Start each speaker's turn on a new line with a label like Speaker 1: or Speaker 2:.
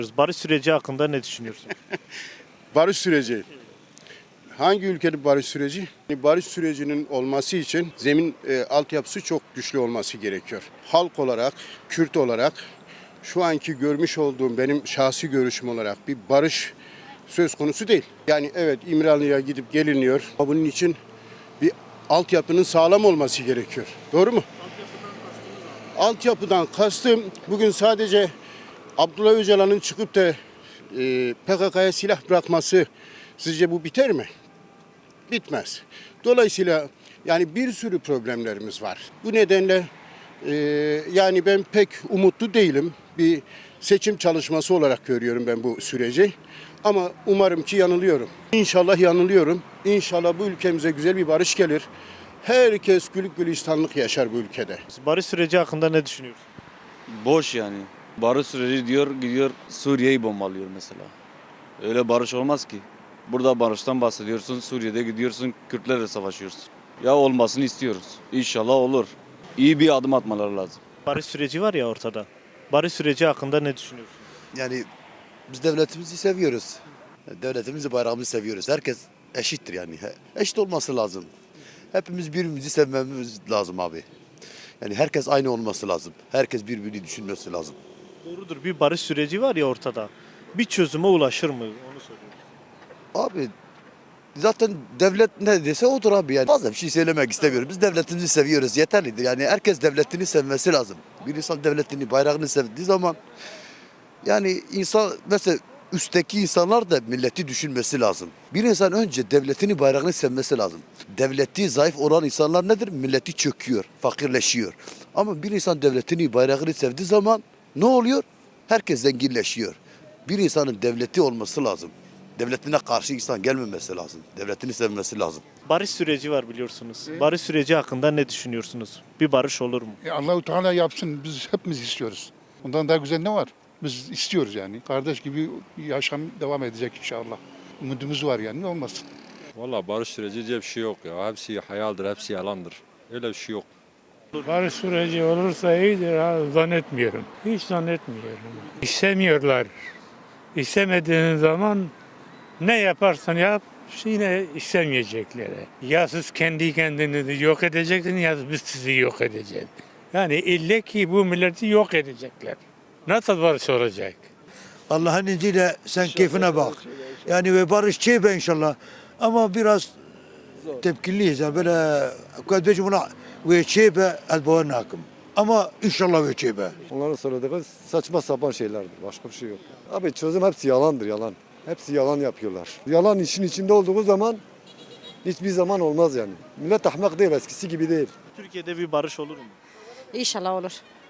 Speaker 1: Barış süreci hakkında ne düşünüyorsun?
Speaker 2: Barış süreci. Hangi ülkenin barış süreci? Barış sürecinin olması için zemin altyapısı çok güçlü olması gerekiyor. Halk olarak, Kürt olarak şu anki görmüş olduğum benim şahsi görüşüm olarak bir barış söz konusu değil. Yani evet İmralı'ya gidip geliniyor ama bunun için bir altyapının sağlam olması gerekiyor. Doğru mu? Altyapıdan kastım bugün sadece Abdullah Öcalan'ın çıkıp da PKK'ya silah bırakması sizce bu biter mi? Bitmez. Dolayısıyla yani bir sürü problemlerimiz var. Bu nedenle yani ben pek umutlu değilim. Bir seçim çalışması olarak görüyorum ben bu süreci. Ama umarım ki yanılıyorum. İnşallah yanılıyorum. İnşallah bu ülkemize güzel bir barış gelir. Herkes gülük gülistanlık yaşar bu ülkede.
Speaker 1: Barış süreci hakkında ne düşünüyorsun?
Speaker 3: Boş yani. Barış süreci diyor gidiyor Suriye'yi bombalıyor mesela. Öyle barış olmaz ki. Burada barıştan bahsediyorsun, Suriye'de gidiyorsun Kürtlerle savaşıyorsun. Ya olmasını istiyoruz. İnşallah olur. İyi bir adım atmaları lazım.
Speaker 1: Barış süreci var ya ortada. Barış süreci hakkında ne düşünüyorsun?
Speaker 4: Yani biz devletimizi seviyoruz. Devletimizi, bayrağımızı seviyoruz. Herkes eşittir yani. Eşit olması lazım. Hepimiz birbirimizi sevmemiz lazım abi. Yani herkes aynı olması lazım. Herkes birbirini düşünmesi lazım.
Speaker 1: Doğrudur, bir barış süreci var ya ortada. Bir çözüme ulaşır mı? Onu soruyorum.
Speaker 4: Abi zaten devlet ne dese odur abi yani. Fazla bir şey söylemek istemiyorum. Biz devletimizi seviyoruz. Yeterlidir. Yani herkes devletini sevmesi lazım. Bir insan devletini, bayrağını sevdiği zaman yani insan mesela üstteki insanlar da milleti düşünmesi lazım. Bir insan önce devletini, bayrağını sevmesi lazım. Devleti zayıf olan insanlar nedir? Milleti çöküyor, fakirleşiyor. Ama bir insan devletini, bayrağını sevdiği zaman ne oluyor? Herkes zenginleşiyor. Bir insanın devleti olması lazım. Devletine karşı insan gelmemesi lazım. Devletini sevmesi lazım.
Speaker 1: Barış süreci var biliyorsunuz. Barış süreci hakkında ne düşünüyorsunuz? Bir barış olur mu?
Speaker 5: Allah-u Teala yapsın. Biz hepimiz istiyoruz. Ondan daha güzel ne var? Biz istiyoruz yani. Kardeş gibi yaşam devam edecek inşallah. Umudumuz var yani. Ne olmasın?
Speaker 6: Valla barış süreci diye bir şey yok ya. Hepsi hayaldir, hepsi yalandır. Öyle bir şey yok.
Speaker 7: Barış süreci olursa iyidir ha, zannetmiyorum. Hiç zannetmiyorum. İstemiyorlar. İstemediğin zaman ne yaparsan yap yine istemeyecekler. Ya siz kendi kendinizi yok edeceksiniz ya biz sizi yok edeceğiz. Yani ille ki bu milleti yok edecekler. Nasıl barış olacak?
Speaker 8: Allah'ın izniyle sen keyfine bak. Yani ve barışçı be inşallah. Ama biraz tepkiliyiz. Yani böyle kardeşim buna ve çeybe elboğun hakkım. Ama inşallah ve çeybe.
Speaker 9: Onların söylediği saçma sapan şeylerdir. Başka bir şey yok. Abi çözüm hepsi yalandır, yalan. Hepsi yalan yapıyorlar. Yalan işin içinde olduğu zaman hiçbir zaman olmaz yani. Millet ahmak değil, eskisi gibi değil.
Speaker 1: Türkiye'de bir barış olur mu?
Speaker 10: İnşallah olur.